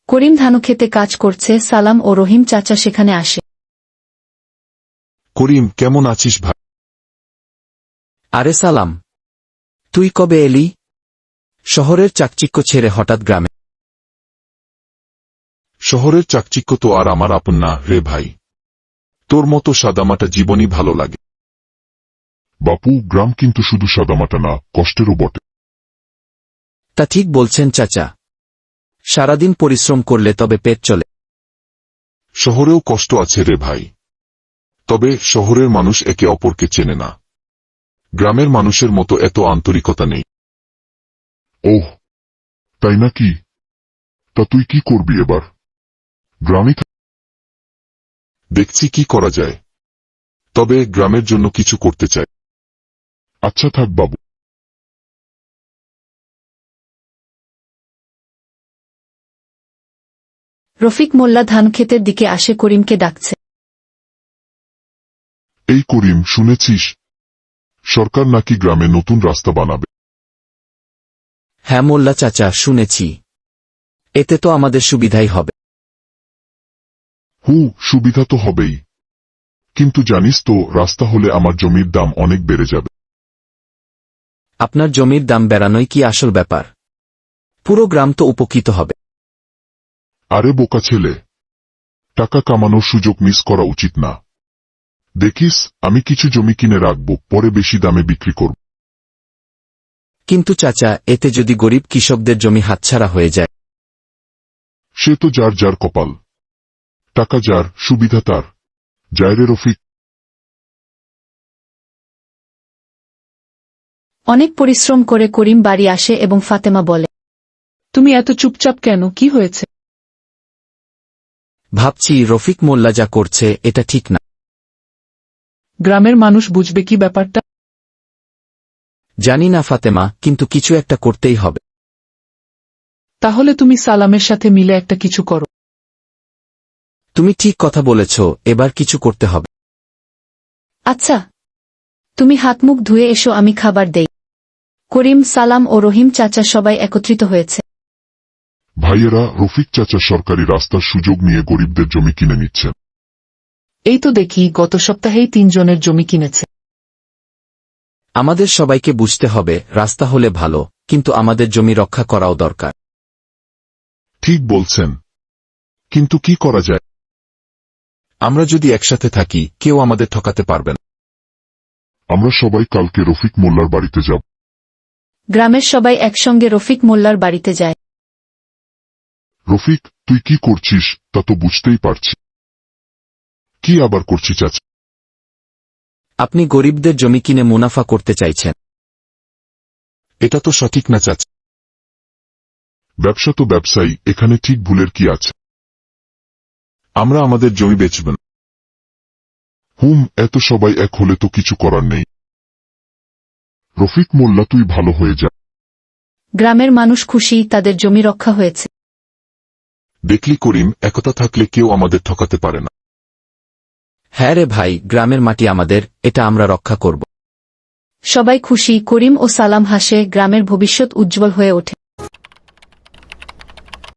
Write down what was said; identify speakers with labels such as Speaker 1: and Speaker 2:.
Speaker 1: করিম ধানক্ষেতে কাজ করছে, সালাম ও রহিম চাচা সেখানে আসে।
Speaker 2: করিম, কেমন আছিস ভাই?
Speaker 3: আরে সালাম, তুই কবে এলি? শহরের চাকচিক্য ছেড়ে হঠাৎ গ্রামে?
Speaker 2: শহরের চাকচিক্য তো আর আমার আপন না রে ভাই। তোর মতো সাদামাটা জীবনই ভালো লাগে।
Speaker 4: বাপু, গ্রাম কিন্তু শুধু সাদামাটা না, কষ্টেরও বটে।
Speaker 3: তা ঠিক বলছেন চাচা, সারাদিন পরিশ্রম করলে তবে পেট চলে।
Speaker 2: শহরেও কষ্ট আছে রে ভাই, তবে শহরের মানুষ একে অপরকে চেনে না। গ্রামের মানুষের মতো এত আন্তরিকতা নেই।
Speaker 4: ওহ, তাই নাকি? তা তুই কি করবি এবার? গ্রামে
Speaker 2: দেখছি কি করা যায়, তবে গ্রামের জন্য কিছু করতে চাই।
Speaker 4: আচ্ছা থাক বাবু।
Speaker 1: রফিক মোল্লা ধানক্ষেতের দিকে আসে, করিমকে ডাকছে।
Speaker 4: এই করিম, শুনেছিস সরকার নাকি গ্রামে নতুন রাস্তা বানাবে?
Speaker 3: হ্যাঁ মোল্লা চাচা, শুনেছি। এতে তো আমাদের সুবিধাই হবে।
Speaker 4: সুবিধা তো হবেই, কিন্তু জানিস তো রাস্তা হলে আমার জমির দাম অনেক বেড়ে যাবে।
Speaker 3: আপনার জমির দাম বেড়ানোই কি আসল ব্যাপার? পুরো গ্রাম তো উপকৃত হবে।
Speaker 4: আরে বোকা ছেলে, টাকা কামানোর সুযোগ মিস করা উচিত না। দেখিস, আমি কিছু জমি কিনে রাখব, পরে বেশি দামে বিক্রি করব।
Speaker 3: কিন্তু চাচা, এতে যদি গরিব কৃষকদের জমি হাতছাড়া হয়ে যায়?
Speaker 4: সে তো যার যার কপাল। টাকা যার, সুবিধা তার। যায় রে রফিক।
Speaker 1: অনেক পরিশ্রম করে করিম বাড়ি আসে এবং ফাতেমা বলে,
Speaker 5: তুমি এত চুপচাপ কেন, কি হয়েছে?
Speaker 3: ভাবছি রফিক মোল্লা যা করছে এটা ঠিক না।
Speaker 5: গ্রামের মানুষ বুঝবে কি ব্যাপারটা?
Speaker 3: জানি না ফাতেমা, কিন্তু কিছু একটা করতেই হবে।
Speaker 5: তাহলে তুমি সালামের সাথে মিলে একটা কিছু করো।
Speaker 3: তুমি ঠিক কথা বলেছ, এবার কিছু করতে হবে।
Speaker 1: আচ্ছা, তুমি হাত মুখ ধুয়ে এসো, আমি খাবার দেই। করিম, সালাম ও রহিম চাচা সবাই একত্রিত হয়েছে।
Speaker 4: ভাইয়েরা, রফিক চাচা সরকারি রাস্তার সুযোগ নিয়ে গরিবদের জমি কিনে নিচ্ছেন।
Speaker 5: এই তো দেখি, গত সপ্তাহেই 3 জনের জমি কিনেছে।
Speaker 3: আমাদের সবাইকে বুঝতে হবে, রাস্তা হলে ভালো, কিন্তু আমাদের জমি রক্ষা করাও দরকার।
Speaker 2: ঠিক বলছেন, কিন্তু কি করা যায়? আমরা যদি একসাথে থাকি, কেউ আমাদের ঠকাতে পারবে না।
Speaker 4: আমরা সবাই কালকে রফিক মোল্লার বাড়িতে যাব।
Speaker 1: গ্রামের সবাই একসঙ্গে রফিক মোল্লার বাড়িতে যায়।
Speaker 4: রফিক, তুই কি করছিস তা তো বুঝতেই পারছি। কি আবার করছি চাচা?
Speaker 3: আপনি গরিবদের জমি কিনে মুনাফা করতে চাইছেন।
Speaker 2: এটা তো সঠিক না চাচা।
Speaker 4: ব্যবসা তো ব্যবসায়ী, এখানে ঠিক ভুলের কি আছে?
Speaker 2: আমরা আমাদের জমি বেচব না।
Speaker 4: এত সবাই এক হলে তো কিছু করার নেই। রফিক মোল্লা, তুই ভালো হয়ে যা।
Speaker 1: গ্রামের মানুষ খুশি, তাদের জমি রক্ষা হয়েছে।
Speaker 2: দেখলি করিম, একতা থাকলে কেউ আমাদের ঠকাতে পারে না।
Speaker 3: হ্যাঁ রে ভাই, গ্রামের মাটি আমাদের, এটা আমরা রক্ষা করব।
Speaker 1: সবাই খুশি, করিম ও সালাম হাসে, গ্রামের ভবিষ্যৎ উজ্জ্বল হয়ে ওঠে।